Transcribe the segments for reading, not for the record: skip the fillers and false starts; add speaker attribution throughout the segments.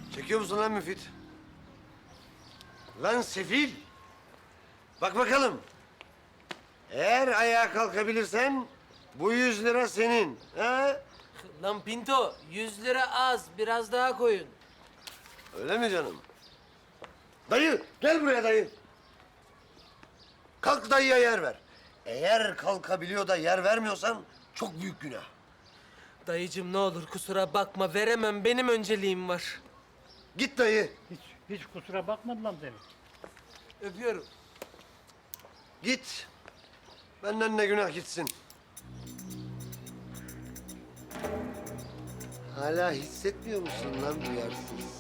Speaker 1: Çekiyor musun lan Müfit? Lan sefil! Bak bakalım. Eğer ayağa kalkabilirsen bu 100 lira senin. Ha?
Speaker 2: Lan Pinto, 100 lira az. Biraz daha koyun.
Speaker 1: Öyle mi canım? Dayı, gel buraya dayı. Kalk dayıya yer ver. Eğer kalkabiliyor da yer vermiyorsan çok büyük günah.
Speaker 2: Dayıcım ne olur kusura bakma. Veremem. Benim önceliğim var.
Speaker 1: Git dayı,
Speaker 3: Hiç kusura bakmadı lan seni.
Speaker 2: Öpüyorum.
Speaker 1: git. Benden ne günah gitsin. Hala hissetmiyor musun lan duyarsız?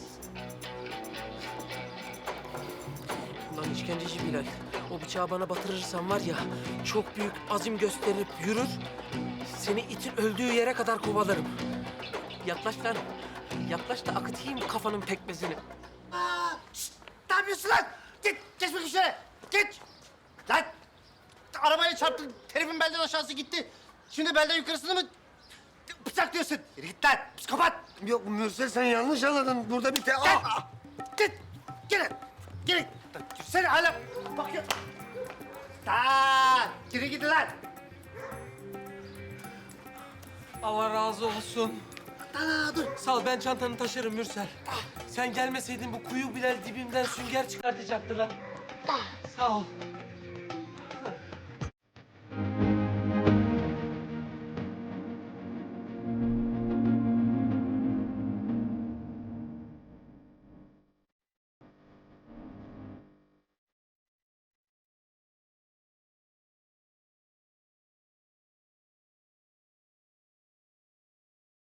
Speaker 2: Ulan işkenceci Bilal. O bıçağı bana batırırsan var ya, çok büyük azim gösterip yürür, seni itin öldüğü yere kadar kovalarım. Yaklaş lan. Yaklaş da akıtayım kafanın pekmezini.
Speaker 4: Ne yapıyorsun lan? Git, geç bakayım şöyle. Geç. Lan, arabaya çarptın. Herifin belden aşağısı gitti. Şimdi belden yukarısını mı bıçaklıyorsun? Yürü git lan, psikopat.
Speaker 1: Yok Mürsel sen yanlış anladın. Burada bir
Speaker 4: Gel. Git, gelin. Gelin. Sen hala bakıyor. Geri gidin lan.
Speaker 2: Allah razı olsun.
Speaker 4: Dur.
Speaker 2: Sağ ol, ben çantanı taşırım Mürsel. Sen gelmeseydin bu kuyu Bilal dibimden sünger çıkartacaktı lan. Sağ ol.